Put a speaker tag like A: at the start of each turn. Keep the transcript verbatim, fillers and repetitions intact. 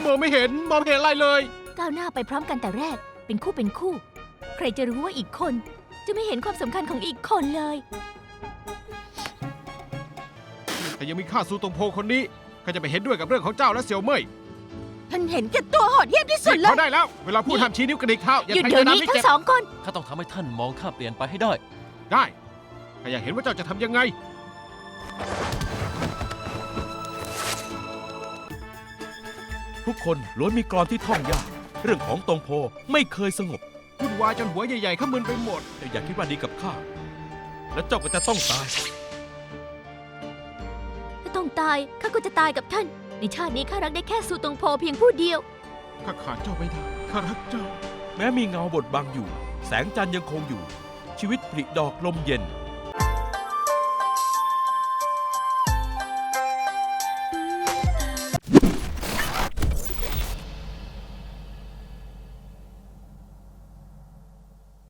A: มองไม่เห็นมองไม่เห็นอะไรเลย
B: ก้าวหน้าไปพร้อมกันแต่แรกเป็นคู่เป็นคู่ ใครจะรู้ว่าอีกคนจะไม่เห็นความสำคัญของอีกคนเลย
A: แต่ยังมีข้าซูตงโพคนนี้ข้าจะไปเห็นด้วยกับเรื่องของเจ้าและเสี่ยวเม่ย
B: ท่านเห็นแก่ตัวโหดเหี้ยมที่สุดเล
A: พอย ได้แล้ว เวลาพูดห้ามชี้นิ้วกระดิกเท้าอย่า
B: หยุด
A: ใช้
B: เดี๋ยว
A: น้ำ
B: นี้
A: ให้
B: ทั้
A: เจ็บ
B: งสองคน
C: ข้าต้องทำให้ท่านมองข้าเปลี่ยนไปให้ได้
A: ได้ข้าอยากเห็นว่าเจ้าจะทำยังไง
D: ทุกคนล้วนมีกลอนที่ท่องยาก เรื่องของตงโพไม่เคยสงบ
A: วุ่นวายจนหัวใหญ่ๆข้ามึนไปหมด
D: แต่อย่าคิดว่าดีกับข้า และเจ้าก็จะต้องตาย
B: ถ้าต้องตายข้าก็จะตายกับท่าน ในชาตินี้ข้ารักได้แค่สูตงโพเพียงผู้เดียว
A: ข้าขาดเจ้าไม่ได้ข้ารักเจ้า
D: แม้มีเงาบดบังอยู่ แสงจันทร์ยังคงอยู่ ชีวิตผลิดอกลมเย็น